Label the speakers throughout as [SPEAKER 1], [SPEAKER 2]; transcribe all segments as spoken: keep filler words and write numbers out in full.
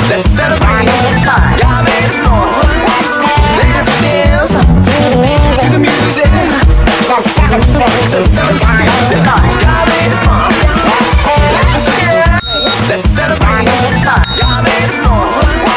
[SPEAKER 1] Let's celebrate. Y'all made it fun. Let's dance to the music. The seven spins. The seven spins. Y'all made it fun. Let's dance. Let's celebrate. Y'all made it fun.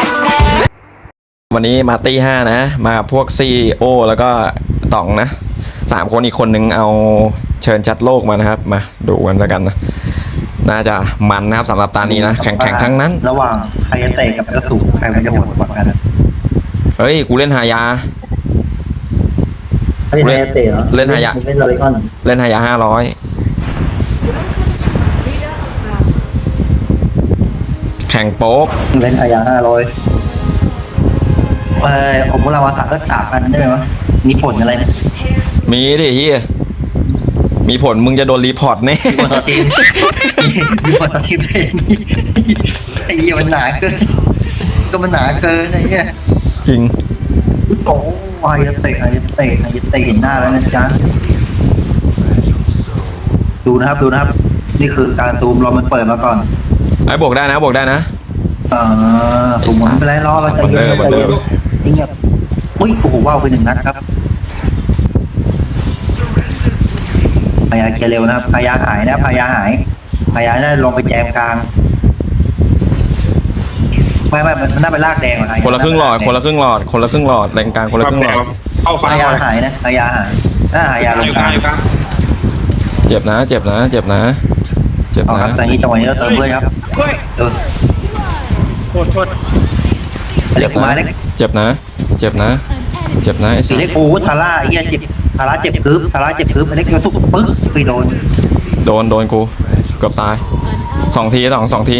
[SPEAKER 2] วันนี้มาตี้ห้านะ มาพวกซีโอแล้วก็ต๋องนะสามคนอีกคนนึงเอาเชิญชัดโลกมานะครับมาดูกันแล้วกันนะน่าจะมันนะครับสำหรับตานี้นะแข่งแข่งทั้งนั้น
[SPEAKER 3] ระหว่างไฮเตะกับกระสุนใครมันจะหมดกว่ากัน
[SPEAKER 2] เฮ้ยกูเล่นหายา
[SPEAKER 3] เล่นไฮเตะเหรอ
[SPEAKER 2] เล่นหายา
[SPEAKER 3] เล่นลอริคอน
[SPEAKER 2] เล่นหายาห้าร้อยแข่งโป๊ก
[SPEAKER 3] เล่นหายาห้าร้อยเออผมเรามาสักสักสามพันได้ไหมวะมีผลอะไรเนี่ย
[SPEAKER 2] มีดิเฮียมีผลมึงจะโดนรีพอร์ตแน่
[SPEAKER 3] มีผลต่อทีมมีผลต่อทีมเองไอ้เหี้ยมันหนาเกินก็มันหนาเกินไอ้เหี้ย
[SPEAKER 2] จริง
[SPEAKER 3] โอ้ยไฮเตะไฮเตะไฮเตะเห็นหน้าแล้วนะจ๊ะดูนะครับดูนะครับนี่คือการซูมเรามันเปิดมาก่อน
[SPEAKER 2] ไอ้บวกได้นะบวกได้นะ
[SPEAKER 3] เออซูมมันไปไล่ล้อเราใจเย็นใจเย็นนี่เงียบอุ้ยโอ้โหว้าวไปหนึ่งนัดครับพยาเคลียร์เร็วนะครับพยาหายนะพยาหายพยาน่าลงไปแจมกลางไม่ไม่มันน่าไปลากแดงเหรอ
[SPEAKER 2] คนละครึ่งหลอดคนละครึ่งหลอดคนละครึ่งหลอดแรงกลางคนละครึ่งหลอด
[SPEAKER 3] เข้าพยาหายนะพยาหายน่าพยาลงกลาง
[SPEAKER 2] เจ็บนะเจ็บนะเจ็บนะเจ็บนะ
[SPEAKER 3] ตอนนี้จังหวะนี้เราเติมเพื่อนครับเออ
[SPEAKER 4] โทษโทษ
[SPEAKER 2] เจ็บนะเจ็บนะเจ็บนะเจ็บนะไอ้
[SPEAKER 3] สีเล็กโอ้ทาร่าไอ้เหี้ยเจ็บทาร่าเจ็บคืบทาร่าเจ็บคืบไอ้เล็กกระสุกปึ๊กไปโดน
[SPEAKER 2] โดนโดนกูเกือบตายสองทีสองสองที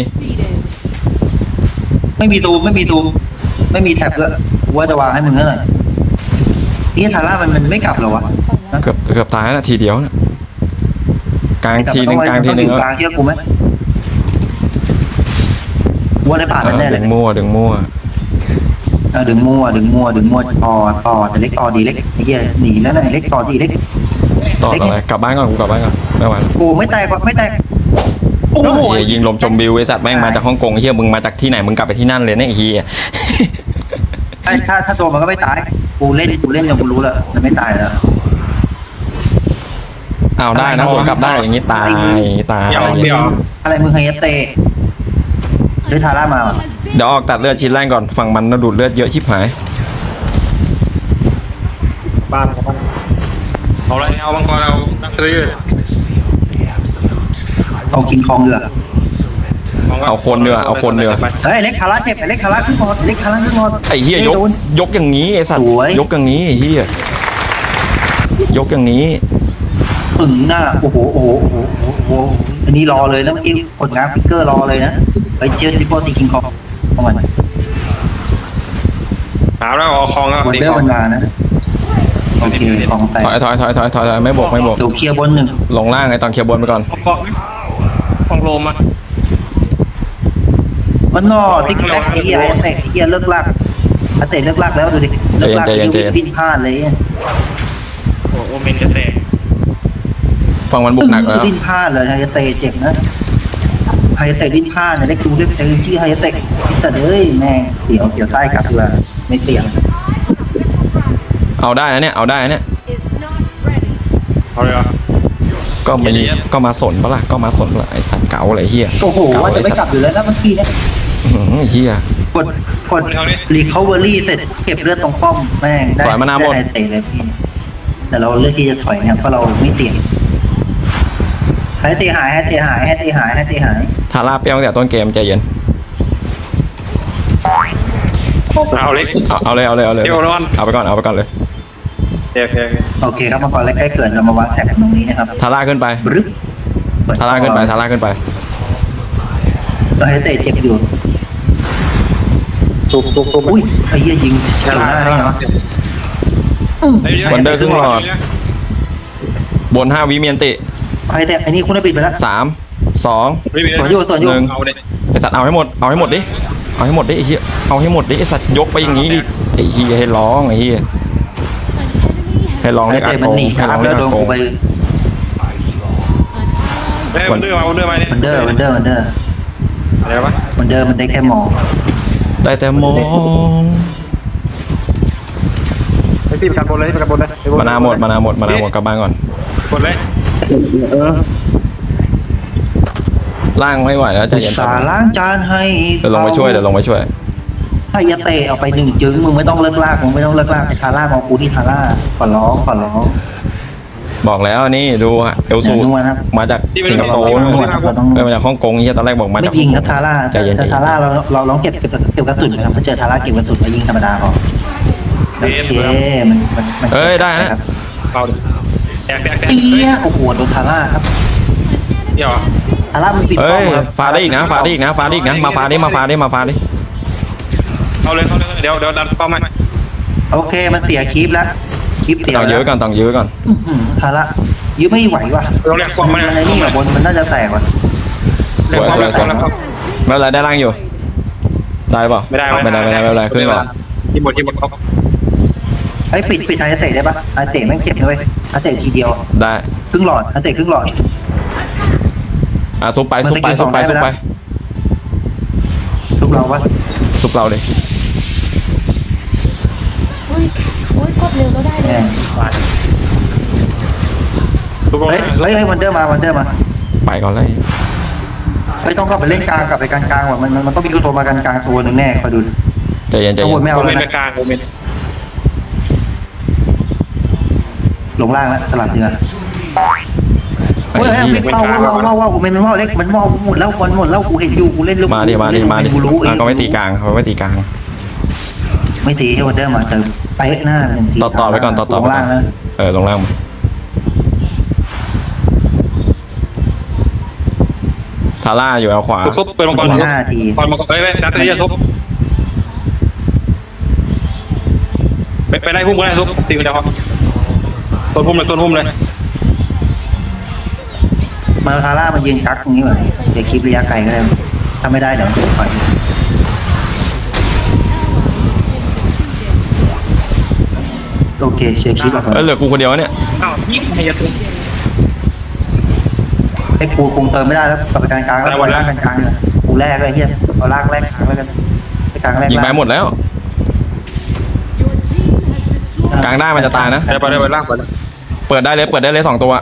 [SPEAKER 3] ไม่มีตูมไม่มีตูมไม่มีแท็บด้วยว่าจะวางให้มึงเท่าไหร่นี่ทาร่ามันมันไม่กลับหรอวะ
[SPEAKER 2] เกือบเกือบตายนะทีเดียวนะกลางทีนึงกลางทีนึง
[SPEAKER 3] กลางเชื่อกูไหมว่าได้ผ่านแน่เลย
[SPEAKER 2] ดึงมั่วดึงมั่ว
[SPEAKER 3] เออดึงมั่วดึงมั่วดึงมั่วต่อต่อแต่เล็กต่อดีเล็กไอ้เหี้ยหนีแล้วนะเล็กต่อดีเล็ก
[SPEAKER 2] ต่ออะไรกลับบ้านก่อนกูกลับบ้านก่อนไม่ไหว
[SPEAKER 3] กูไม่แตกไม่แตก
[SPEAKER 2] โอ้โหยิงลมจมบิวไอ้สัตว์แม่งมาจากฮ่องกงเฮียมึงมาจากที่ไหนมึงกลับไปที่นั่นเลยเนี่ยไอ้เฮีย
[SPEAKER 3] ถ้าถ้าตัวมันก็ไม่ตายกูเล่นกูเล่นจนกูรู้แล้วมันไม่ตายแล้ว
[SPEAKER 2] เอาได้นะสวนกลับได้อย่างนี้ตายตาย
[SPEAKER 3] อะไรมึงไฮเตะหรือทาร่ามา
[SPEAKER 2] เดี๋ยวออกตัดเลือดชิ้นแรกก่อนฝั่งมันดูดเลือดเยอะชิบหาย
[SPEAKER 4] บ้านบ้านเอาอะไรเอาบังกรเอานักเรียน
[SPEAKER 3] เอากินคองเดือ
[SPEAKER 2] เอาคนเดือเอาคนเดือ
[SPEAKER 3] เฮ้ยเล็กทาร่าเจ็บเล็กทาร่าขึ้นหมดเล็กทาร่าขึ้นหมด
[SPEAKER 2] ไอ้เฮียยกยกอย่างนี้ไอ้สัตว์ยกอย่างนี้ไอ้เฮียยกอย่างนี้
[SPEAKER 3] ถึงหน้าโอ้โหโอ้โหโอ้โหอันนี้รอเลยนะเมื่อกี้ผลงานฟิกเกอร์รอเลยนะไปเชียร์ดิโก้ตีคิงคองเข้ามา
[SPEAKER 4] ถามแล้วเอาคองครับ
[SPEAKER 3] วันเดอร์มันมานะโอเคคองแตก
[SPEAKER 2] ถอยถอยถอยถอยถอยไม่บกไม่บก
[SPEAKER 3] ดูเคลียร์บนหนึ่ง
[SPEAKER 2] ลงล่างไอ้ตอนเคลียร์บนไปก่อน
[SPEAKER 4] คองคองโลมา
[SPEAKER 3] มันนอติ๊กแซกไอ้เหี้ยไอ้แตกไอ้เหี้ยเลิกลากไอ้เตะเลิกลากแล้วดูดิเลิกลากปิ้นพลาดเลย
[SPEAKER 4] โอ้โอเมนจะแตก
[SPEAKER 2] ฟังมันบุกหนักแล้ว
[SPEAKER 3] ดิ้นพลาดเลยไฮเตะเจ็บนะไฮเตะดิ้นพลาดเนี่ยเล็กดูเล็กใจที่ไฮเตะแต่เอ้ยแม่งเสียวเสียวใต้กลับเลยไม่เสี่ยง
[SPEAKER 2] เอาได้นะเนี่ยเอาได้นะเนี่ย
[SPEAKER 4] เอาเลยเหรอ
[SPEAKER 2] ก็มาก็มาสนปะล่ะก็มาสนปะล่ะไอ้สัตว์เก๋าอะไรเฮีย
[SPEAKER 3] โอ้โหว่าจะไม่กลับอยู่แล้วนะเมื่อกี้เนี่ย
[SPEAKER 2] เฮีย
[SPEAKER 3] กดกดรีคอเวอรี่เสร็จเก็บเลือดตรงป้อมแม่งได้ได้ไฮเตะเลยพี่แต่เราเลือกที่จะถอยเนี่ยเพราะเราไม่เสี่ยงให้ตีหายให้ตีหายให้ตีหายให้ตีหาย
[SPEAKER 2] ทาร่าเปรี้ยวตั้งแต่ต้นเกมใจเย็น
[SPEAKER 4] เอาเลย
[SPEAKER 2] เอาเลยเอาเลยเอาเลยเอาไปก่อนเอาไปก่อนเลย
[SPEAKER 4] โอเค
[SPEAKER 3] โอเคครับมาก่อนแล้วใกล้เกิดเรามาวางแท็กตรงนี้นะครับ
[SPEAKER 2] ทาร่าขึ้นไปทาร่าขึ้นไปทาร่าขึ้นไป
[SPEAKER 3] เราให้เตะเจ็บอยู่
[SPEAKER 4] สุกสุกสุก
[SPEAKER 3] อุ้ยไอ้เหี้ยยิงฉลาดได้ไงวะ
[SPEAKER 2] วันเดอร์ครึ่งหลอดบนห้าวิเมียนติ
[SPEAKER 3] ไอ้แต่ไอ้นี่คุณได้ปิดไปแล้ว
[SPEAKER 2] สามสอง
[SPEAKER 3] ส่วนโยส่วนโย
[SPEAKER 2] หนึ่งไอสัตว์เอาให้หมดเอาให้หมดดิเอาให้หมดดิไอ้เหี้ยเอาให้หมดดิไอสัตว์ยกไปอย่างนี้ดิไอ้เหี้ยให้ร้องไอ้เหี้ยให้ร้องเรียกอาโกงให้ร้องเรียกอาโกง
[SPEAKER 4] วันเดอร์มาวันเดอร์มาเนี่ย
[SPEAKER 3] วันเดอร์วันเดอร์วันเดอร์
[SPEAKER 4] อะไรวะ
[SPEAKER 3] วันเดอร์มันได้แค่หมอ
[SPEAKER 2] ได้แต่มอง
[SPEAKER 4] ไอ้พี่ประกันบนเลยประกันบนเลย
[SPEAKER 2] มานาหมดมานาหมดมานาหมดกลับบ้านก่อน
[SPEAKER 4] บนเลย
[SPEAKER 3] เออ
[SPEAKER 2] ล่างไม่ไหวแล้วใจ
[SPEAKER 3] อุต
[SPEAKER 2] เย็น
[SPEAKER 3] สาห์ล้างจานให้
[SPEAKER 2] เดี๋ยวลงไปช่วยเดี๋ยวลงไปช่วย
[SPEAKER 3] ให้ยาเตะเอาไปหนึ่งจึงมึงไม่ต้องเลิกลากมึงไม่ต้องเลิกลากไปทาร่ามองกูที่ทาร่าขอร้องขอร้อง
[SPEAKER 2] บอกแล้วนี่ดูฮะเอลซู
[SPEAKER 3] อย่านัวนะครับ
[SPEAKER 2] มาจากสิงคโปร์
[SPEAKER 3] เราต้อง
[SPEAKER 2] เอ้ยมาจากฮ่องกงนี่ตอนแรกบอกมา
[SPEAKER 3] ไม่
[SPEAKER 2] จาก
[SPEAKER 3] ยิงครับทาร่า
[SPEAKER 2] ใจเย็นใจ
[SPEAKER 3] แต่
[SPEAKER 2] เย็น
[SPEAKER 3] ทาร่าเราเราลองเก็บเก็บเก็บกระสุนนะครับถ้าเจอทาร่าเก็บกระสุนแล้วยิงธรรมดาพอโอเคมันมันมัน
[SPEAKER 2] เอ้ยได้นะ
[SPEAKER 3] ครับ
[SPEAKER 4] เอาดิแตกแตกแตก
[SPEAKER 3] เตี้ยโอ้โหโดนทาร่าครับ
[SPEAKER 4] เดี๋ยว
[SPEAKER 3] ทาร่ามันปิด
[SPEAKER 2] เอ้
[SPEAKER 3] ป้อม
[SPEAKER 2] ย
[SPEAKER 3] ครับ
[SPEAKER 2] ฟาได้อีกนะฟาได้อีกนะฟาได้อีกนะมาฟาดิมาฟาดิมาฟาดิ
[SPEAKER 4] เอาเลยเอาเลยเดี๋ยวเดี๋ยวดันเป้าหมาย
[SPEAKER 3] โอเคมันเสียคลิปแล้วคลิปเสีย
[SPEAKER 2] ต้องยื้อไว้ก่อนต้องยื้อไว้ก่อน
[SPEAKER 3] อื้อหือทาร่ายื้อไม่ไหวว่ะ
[SPEAKER 4] เราเรียกความ
[SPEAKER 3] มั
[SPEAKER 4] มัน น
[SPEAKER 3] อะไรนี่แบบบนมันน่าจะแตกว่ะ
[SPEAKER 2] สวยสวยสวยไม่เป็นไรได้ล่างอยู่ได้เปล่า
[SPEAKER 4] ไม่ได้
[SPEAKER 2] ไม่ได้ไม่ได้ไม่เป็นไรขึ้นก่อน
[SPEAKER 4] ที่หมดที่หมดเขา
[SPEAKER 3] ไอ้ยปิดปิดไฮเตะได้ปะไฮเตะแม่งเจ็บเลยไฮเตะทีเดียว
[SPEAKER 2] ได้
[SPEAKER 3] ครึ่งหลอดไฮเตะครึ่งหลอด
[SPEAKER 2] อ่ะซุปไปซุปไปซุปไปซุปไป
[SPEAKER 3] ทุกเราวะ
[SPEAKER 2] ซุปเราเลย
[SPEAKER 5] อุ้ยอุ้ยกดเร็วก็ได้เล
[SPEAKER 3] แน่
[SPEAKER 5] ย
[SPEAKER 4] ทุกคน
[SPEAKER 3] เฮ้ยเฮ้ยเฮ้ยวันเดอร์มาวันเดอร์มา
[SPEAKER 2] ไปก่อนเลย
[SPEAKER 3] ไม่ต้องเข้าไปเล่นกลางกลับไปกลางกลางว่ะมันมันมันต้องมีตัวมากลางกลางตัวหนึ่งแน่คอยดู
[SPEAKER 2] ใจเย็นใจ
[SPEAKER 3] ข้าง
[SPEAKER 2] เย็
[SPEAKER 3] บ
[SPEAKER 2] น
[SPEAKER 3] นไม่
[SPEAKER 4] โม
[SPEAKER 3] เอา
[SPEAKER 4] เม
[SPEAKER 3] แล้ว
[SPEAKER 4] นต์
[SPEAKER 3] นะ
[SPEAKER 4] กลางโมเมนต์
[SPEAKER 3] ลงล่างแล้วสลับเดือนเฮ้ยเฮ้ยวิ่งเมาเมาเมาเมามันมันเมาเล็กมันเมาหมดแล้วมันหมดแล้วกูเห็นอยู่กูเล่นลูก
[SPEAKER 2] มาดิมาดิมาดิ
[SPEAKER 3] กูรู้เอง
[SPEAKER 2] อ่ะก็ไม่ตีกลางเขาไม่ตีกลาง
[SPEAKER 3] ไม่ตีให้วันเดอร์มาเติมไปหน้าหนึ่งที
[SPEAKER 2] ต่อต่อไปก่อนต่อต่อ
[SPEAKER 3] ล
[SPEAKER 2] ไป
[SPEAKER 3] ง
[SPEAKER 2] ก่
[SPEAKER 3] ล่า
[SPEAKER 2] อง น
[SPEAKER 3] แล้ว
[SPEAKER 2] เออลงล่างมาทาร่าอยู่เอาขวา
[SPEAKER 4] ซุปเป็นมังกร
[SPEAKER 3] ห้าที
[SPEAKER 4] ก่อนมังกรเฮ้ยดักเตอร์ซุปไปไปไล่พุ่มก็ได้ซุปตีกันเดียวครับโซนพุ่มเลยโซนพุ่มเลย
[SPEAKER 3] มาทาร่ามายืนกักตรงนี้แบบเดี๋ยวคลิประยะไกลก็ได้ถ้าไม่ได้เดี๋ยวปล่อยโอเคเชียร์คลิปแบบ
[SPEAKER 2] เออเหลือกูคนเดียวเนี่ย
[SPEAKER 4] อ้าวยิงให้ยัด
[SPEAKER 3] ไอ้กูคงเติมไม่ได้แล้วกลับไปกลางกลางแล้วปล่อยล่างกลางกลางเลยกูแรกเลยเฮียเอาลากแรกกลางแล้วกันไปกลางแรก
[SPEAKER 2] ยิงไปหมดแล้ว กลางได้มันจะตายนะ
[SPEAKER 4] ไปไปไปล่างก่อน
[SPEAKER 2] เปิดได้เลยเปิดได้เลยสองตัว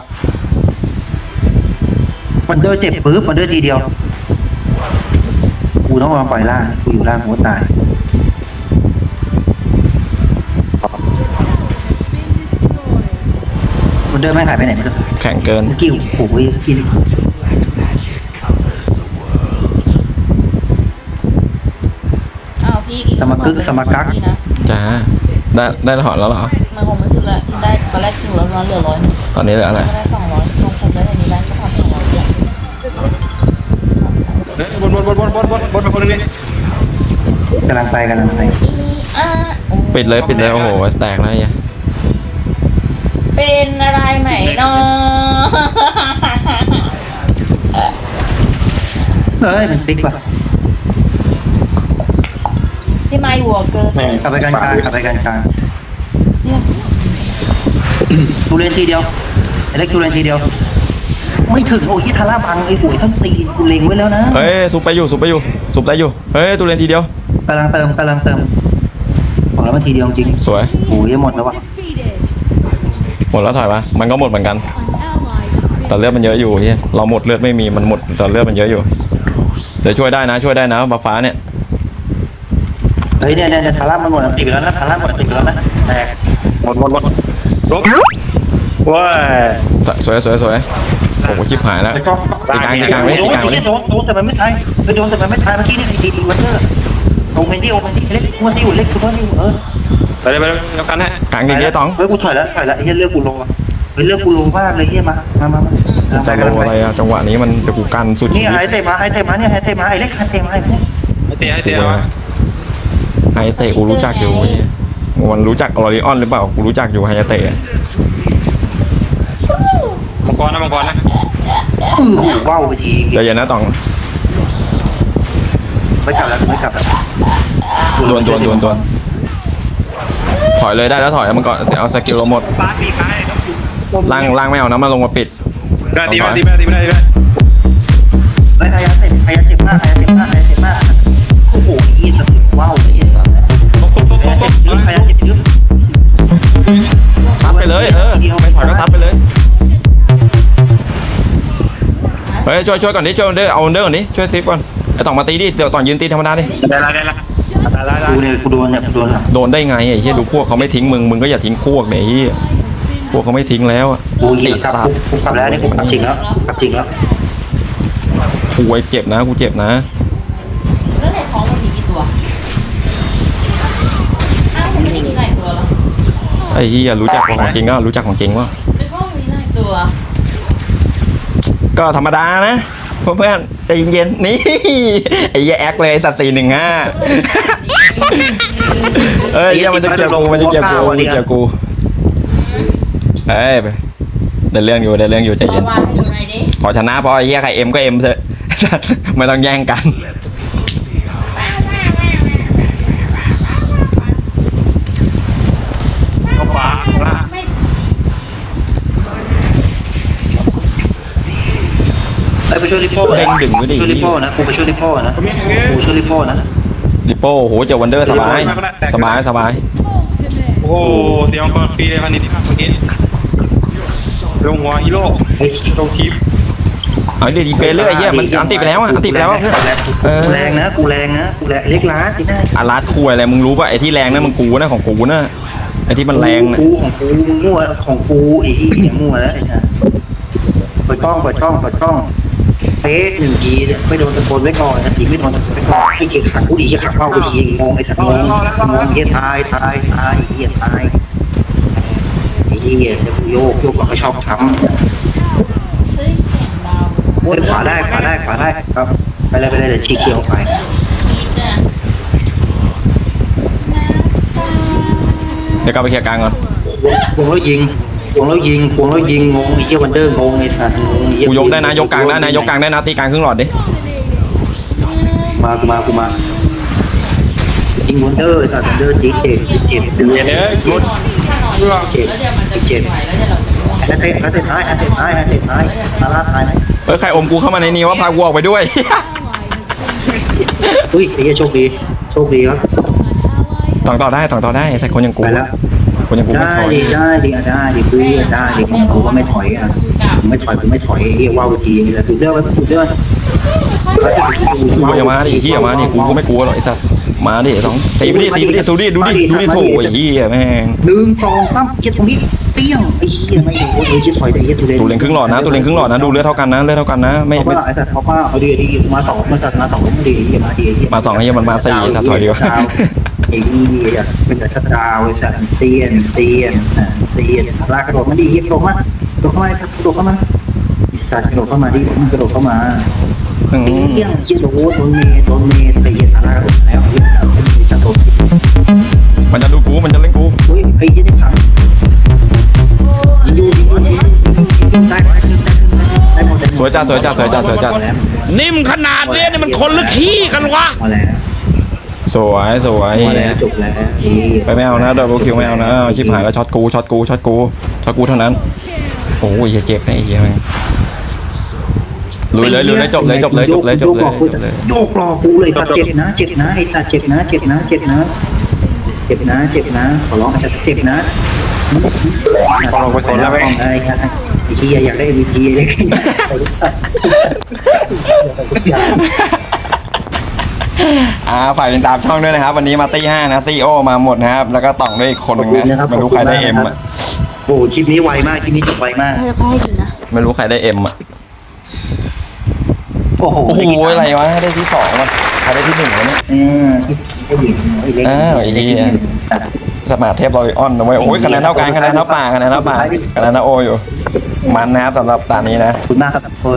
[SPEAKER 3] มันเดินเจ็บปึ๊บมันเดินทีเดียวกูต้องมาปล่อยล่างกูอยู่ล่างกูตายมันเดินไม่หายไปไหนไม่รู้
[SPEAKER 2] แข็งเกิน
[SPEAKER 3] เมื่อกี้โอ้โหกิน
[SPEAKER 5] อ้าวพี่อี
[SPEAKER 3] สมกึกสมกัก
[SPEAKER 5] พี่นะ
[SPEAKER 2] จ้าได้ได้ถอนแล้วเหรอ
[SPEAKER 5] มันคงไม่ถึงละได้ตอนแรกถึงแล้วเหลือร้อยหนึ่ง
[SPEAKER 2] ตอนนี้เหลืออะไร
[SPEAKER 5] ก็ได้สองร้อยลงผมได้อันนี้ได้ก็ทำสองร้อยเดียว
[SPEAKER 4] บนบนบนบนบนบนบนเป็นคนนึงดิ
[SPEAKER 3] กำลังไปกำลังไป
[SPEAKER 5] อ่ะโอ้
[SPEAKER 2] ปิดเลยปิดเลยโอ้โหแตกแล้วเนี่ย
[SPEAKER 5] เป็นอะไรไหมเนาะ
[SPEAKER 3] เฮ้ยมันฟิกป่ะ
[SPEAKER 5] ที่ไม่วัวเกิน
[SPEAKER 3] กลับไปกลางกลางกลับไปกลางกลาง
[SPEAKER 5] เนี่ย
[SPEAKER 3] ตูเรนทีเดียวไอ้เล็กตูเรนทีเดียว ไม่ถึงโอ้ยทาร่าบังไอ้หวยทั้งตีนกูเล็งไว้แล้วนะ
[SPEAKER 2] เฮ้ยซุปไปอยู่ซุปไปอยู่ซุปได้อยู่เฮ้ยตัวเล่นทีเดียว
[SPEAKER 3] กำลังเติมกำลังเติมบอกแล้วมันทีเดียวจริง
[SPEAKER 2] สวย
[SPEAKER 3] โอ้ยหมดแล้ววะ
[SPEAKER 2] หมดแล้วถอยมามันก็หมดเหมือนกัน แต่เลือดมันเยอะอยู่ที่เราหมดเลือดไม่มีมันหมดแต่เลือดมันเยอะอยู่เดี๋ยวช่วยได้นะช่วยได้นะบัฟฟ้าเนี่ย
[SPEAKER 3] เฮ้ยเนี่ยเนี่ยทาร่ามันหมดติดไปแล้วนะทาร่าหมดติดไปแล้วนะแตก
[SPEAKER 4] หมดหมดหมดลบว้าย
[SPEAKER 2] สวยสวยสวยโอ้โหชิบหายแล้วตีกลางตีกลางไว้ตีกลางไว้
[SPEAKER 3] โดนโดนแต่มันไม่ตายไปโดนแต่มันไม่ตายเมื่อกี้นี่ดีดีวันเดอร์โอเมนดี้โอเมนดี้เล็กวันที่อยู่เล็กคือว่านี่เออ
[SPEAKER 4] ไปเลยไปเลยแล้วกันฮะ
[SPEAKER 2] กลางดีๆต๋อง
[SPEAKER 3] เฮ้ยกูถอยแล้วถอยแล้วไอ้เหี้ยเลือกกูโลเฮ้ยเลือกกูโลมากเลยเหี้ยมามามามา
[SPEAKER 2] จะโลอะไรอะจังหวะนี้มันจะกูกันสุดชี
[SPEAKER 3] นี่
[SPEAKER 2] วิต
[SPEAKER 3] ไอ้เตะมาไอ้เตะมาเนี่ยไอ้เตะมาไอ้เล็กไอ้เตะมาไอ้เนี่ย
[SPEAKER 4] ให้เตะให้เตะ
[SPEAKER 2] ไฮเตะกูรู้จักอยู่เว้ยมันรู้จักออริออนหรือเปล่ากูรู้จักอยู่ไฮเตะ
[SPEAKER 4] มังกรนะมังกรนะ
[SPEAKER 3] อือหูว้าวไปที
[SPEAKER 2] ใจเย็นนะต๋อง
[SPEAKER 3] ไม่กลับแล้วไม่กลับแล้ว
[SPEAKER 2] ดวนดวนดวนดวนถอยเลยได้แล้วถอยแล้วมันก่อนเสียเอาสกิลเราหมด
[SPEAKER 4] ปาตีใคร
[SPEAKER 2] ล่างล่างไม่เอานะมาลงมาปิด
[SPEAKER 4] ได้ตีไม่ได้ตีไม่ได้ตีไม่ได้ตีไม่ได้
[SPEAKER 3] ไอ้ไอ้เตะไอ้เจ็บมากไอ้เจ็บมากไอ้เจ็บมากโอ้โหยี่สิบว้าว
[SPEAKER 2] ยช่วยช่วยก่อนดิช่วยเด้อเอาเด้อก่อนดิช่วยซิฟก่อนไอ้ต่องมาตีดิเดี๋ยวต่องยืนตีธรรมดาดิ
[SPEAKER 4] ได้ละได้ละได้ละได้
[SPEAKER 3] กูเนี่ยกูโดนเนี่ยกูโดนละ
[SPEAKER 2] โดนได้ไงไอ้เหี้ยดูพวกเขาไม่ทิ้งมึงมึงก็อย่าทิ้งพวกเนี่ยไอ้เหี้ยพวกเขาไม่ทิ้งแล้วอะ
[SPEAKER 3] กูเหยียบกลับกูกูกลับแล้วนี่กูกลับจริงแล้วกูกลับจริงแล้ว
[SPEAKER 2] กูไอ้เจ็บนะกูเจ็บนะ
[SPEAKER 5] แล้วในท้องมันมีกี่ตัวอ้าวมันไม่ได้มีหลายตัวเหรอ
[SPEAKER 2] ไอ้เหี้ยรู้จักของจริงก็รู้จักของจริงว่า
[SPEAKER 5] ในท้องมีหลายตัว
[SPEAKER 2] ก็ธรรมดานะเพื่อนๆใจเย็นๆนี่ไอ้เหี้ยแอคเลยสัตว์สี่หนึ่งห้าเอ้ยเหี้ยมันจะเกี่ยวกูมันจะเกี่ยวกูมันจะเกี่ยวกูเอ้ยเดินเรื่องอยู่เดินเรื่องอยู่ใจ
[SPEAKER 5] ป
[SPEAKER 2] เย็น
[SPEAKER 5] ระมาณอยู่ไหนดิ
[SPEAKER 2] ขอชนะพอไอ้เหี้ยใครเอ็มก็เอ็มเถอะ ไม่ต้องแย่งกัน
[SPEAKER 4] เข้าป่าละ
[SPEAKER 5] ไม่
[SPEAKER 3] ไปไปช่วยริโป้
[SPEAKER 2] เด้งดึงไว้ดิ
[SPEAKER 3] ช่วยริโป้นะกูไปช่วยริโป้นะกูช่วยริโป้นะ
[SPEAKER 2] ลิโป้โหเจอวันเดอร์สบายสบายสบาย
[SPEAKER 4] โอ้โหเสียงก่อนฟรีเลยพันนิดเมื่อกี้ลงหัวฮีโร่
[SPEAKER 3] เฮ้ย
[SPEAKER 4] ลงคลิป
[SPEAKER 2] เอาดิดีเปเรื่อยไอ้เหี้ยมันอันติไปแล้วอะอันติไปแล้วอะเพื่อนเออ
[SPEAKER 3] กูแรงนะกูแรงนะกูแรงเล็กล้าสินะ
[SPEAKER 2] อารัดคุยอะไรมึงรู้ป่ะไอ้ที่แรงนั่นมันกูนะของกูนะไอ้ที่มันแรงนะ
[SPEAKER 3] กูของกูมึงมั่วของกูไอ้ที่เนี่ยมั่วแล้วไอ้นะเปิดกล้องเปิดกล้องเปิดกล้องเป๊ะหนึ่งทีเนี่ยไม่โดนตะโกนไว้ก่อนนะทีไม่โดนตะโกนไว้ก่อนไอ้เกียขังกูดีเกียขังเป้ากูดีงงไอ้สัตว์งงงงเกียตายตายตายไอ้เกียตายไอ้เกียจะโยกโยกก็ชอบช้ำ
[SPEAKER 5] เฮ้ยเสียงเบา
[SPEAKER 3] โอ้ยขวาได้ขวาได้ขวาได้ครับไปเลยไปเลยเดี๋ยวชี้เขียวไป
[SPEAKER 5] คิดอ่ะ
[SPEAKER 2] เดี๋ยวกลับไปเคลียร์กลางก่อน
[SPEAKER 3] ควงแล้วยิงควงแล้วยิงควงแล้วยิงงงไอ้เหี้ยวันเดอร์งงไอ้สัตว์งงไอ้เหี้
[SPEAKER 2] กูยกได้นะยกกลางได้นะยกกลางได้นะตีกลางครึ่งหลอดดิ
[SPEAKER 3] มากูมากูมายิงวันเดอร์ไอ้สัตว์วันเดอร์จีเจ็บเจ็บเจ็บ
[SPEAKER 4] เดี๋ยวเดี๋ยวรถ
[SPEAKER 3] เจ็บ
[SPEAKER 5] แล้วเดี๋ยวมันจะเจ็บไหวแล้วเดี๋ยวเราจะง่วง
[SPEAKER 3] แล้วเตะแล้วเตะท้ายแล้วเตะท้ายแล้วเตะท้ายมาลาดท้ายไหม
[SPEAKER 2] เฮ้ยใครอมกูเข้ามาในนี้ว่าพากูออกไปด้วย
[SPEAKER 3] อุ้ยไอ้เหี้ยโชคดีโชคดีครับ
[SPEAKER 2] ต่องต่อได้ต่องต่อได้แต่คนอย่างกู
[SPEAKER 3] ไปแล้ว
[SPEAKER 2] คนอย่างกูไม่
[SPEAKER 3] ได้
[SPEAKER 2] ถอย
[SPEAKER 3] ดิได้ดิอ่ะได้ดิเพื่อนได้ดิผมก็ไม่ถอยอ่ะผมไม่ถอยผมไม่ถอยเรียกว่าวิธีแต่ถูกเรื่องไว้ถูกเรื่อง
[SPEAKER 2] กูอย่ามาดิเฮียมาดิกูก็ไม่กลัวหรอกไอ้สัสมาดิสองตีไปดิตีไปดิดูดิดูดิดูดิโถไอ้เฮียแม่ง
[SPEAKER 3] หนึ่งสองสามเจ็ดตรงนี้เปี้ยงไอ้เหี้ยไม่โอ้ยจะถอยได้เหี้ยตัวเล่น
[SPEAKER 2] ตูเลนครึ่งหลอดนะตูเลนครึ่งหลอดนะดูเลือดเท่ากันนะเลือดเท่ากันนะไม่
[SPEAKER 3] เขา
[SPEAKER 2] ไม่
[SPEAKER 3] ว่าไอ้สัตว์เขาว่าเอาดีดีมาสองมาจัดมาสองมาดีมาดี
[SPEAKER 2] มาสองไอ้เหี้ยมันมาสี่สัตว์ถอยเดียว
[SPEAKER 3] ไอ้เหี้ยเป็นแต่ชัดดาวไอ้สัตว์เตียนเตียนเตียนลากกระโดดมาดิเหี้ยกระโดดมากระโดดเข้ามาครับกระโดดเข้ามาไอ้สัตว์กระโดดเข้ามาดิมันกระโดดเข้ามา
[SPEAKER 2] อืม
[SPEAKER 3] เปี้ยงเหี้ยโดนโดนเมย์โดนเมย์ไอ้เหี้ยลากกระโดดแล้วไอ้เหี้ยจะโดด
[SPEAKER 2] มันจะดูกูมันจะเล่นกู
[SPEAKER 3] เฮ้ยไอ้เหี้ยนี่ขังยิงอยู่ยิงอยู่ยิงอยู่ได้ได้ได้หมด
[SPEAKER 2] สวยจ้าสวยจ้าสวยจ้าสวยจ้า
[SPEAKER 6] นิ่มขนาดนี้นี่มันคนหรือขี้กันวะ
[SPEAKER 3] มาแล้ว
[SPEAKER 2] สวยสวย
[SPEAKER 3] มาแล้วจบแล้ว
[SPEAKER 2] ไปไม่เอานะดับเบิลคิวไม่เอานะชิบหายแล้วช็อตกูช็อตกูช็อตกูช็อตกูเท่านั้นโอ้ยเจ็บนะไอ้เหี้ยแม่งลุยเลยลุยเลยจบเลยจบเลยจบเลยจบเลยจบเลย
[SPEAKER 3] โยกรอกูเลยสัตว์เจ็บนะเจ็บนะไอ้สัตว์เจ็บนะเจ็บนะเจ็บนะเจ็บนะเจ็บนะขอร้องไอ้สัตว์เจ็บนะ
[SPEAKER 4] ลงไปสนแล้วไหม
[SPEAKER 3] ไอ้ครับไอ้ที่อยากได้ เอ็ม วี พี เลย
[SPEAKER 2] อ่าฝ่ายติดตามช่องด้วยนะครับ วันนี้มาตี้ห้านะซีโอมาหมดนะครับ แล้วก็ต่องด้วยอีกคนหนึงนะไม่รู้ใครได้เอ็มอ่ะ
[SPEAKER 3] โอ้คลิปนี้ไวมากคลิปนี้จบไวมาก
[SPEAKER 5] ให้ให้อยู่นะ
[SPEAKER 2] ไม่รู้ใครได้เอ็มอ่ะ
[SPEAKER 3] โอ้โห
[SPEAKER 2] โอ้โหอะไรวะได้ที่สองวะใครได้ที่หนึ่งวะเนี่ย
[SPEAKER 3] เออที่หญิงไอ้เล็ก
[SPEAKER 2] อ้าวไอ้เหี้ย สมาร์ทเทพลอยออนนะเว้ยโอ้ยคะแนนเท่ากันคะแนนเท่าป่าคะแนนเท่าป่าคะแนนเท่าโออยู่ มันนะครับสำหรับตานี้นะ
[SPEAKER 3] ขอบคุณมากครับ